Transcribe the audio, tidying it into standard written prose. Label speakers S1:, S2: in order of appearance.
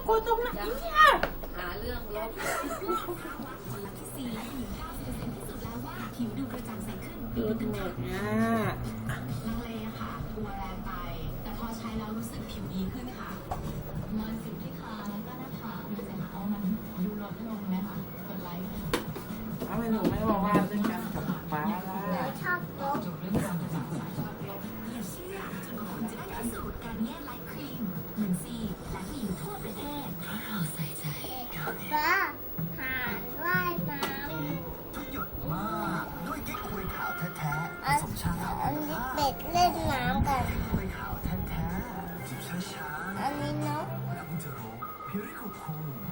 S1: กลัวตรงไหนเนี่ย
S2: หาเรื่องลบ
S3: ผลลัพธ์ที่สี่หญิง90%ที่สุดแล้วว่าผิวดูกระจ่างใสขึ้น
S1: ดูหมดนะ
S3: ลังเลอะค่ะกลัวแรงไป แต่พอใช้แล้วรู้สึกผิวดีขึ้นค่ะรอยสิวที่คางแล้วก็หน้าผากดูสิคะว่ามันดูลดลงไหมคะกดไลค์
S1: ทำไมหนูไม่บอกว่าเรื่องการกับป้าล่ะ
S4: ชอบลบ
S3: จบเรื่องการสาวสายชอบลบอย่าเชื่อจนกว่าคุณจะได้พิสูจน์การแย่ไลท์ครีมเหมือนซีและผู้หญิงทั่วประเทศเพราะเราใส่ใจ
S4: ป้าหาว่ายน้
S5: ทุกหยดมากด้วยเก๊กควยขาวแท้ๆผ
S4: ำ
S5: สมชาขาว
S4: อันนี้เป็ดเล่นน้ำกัน
S5: ควยขาวแท้ๆจิบช้า
S4: อันนี้นก
S5: ๆแล้วคุณจะรู้พิริคุคู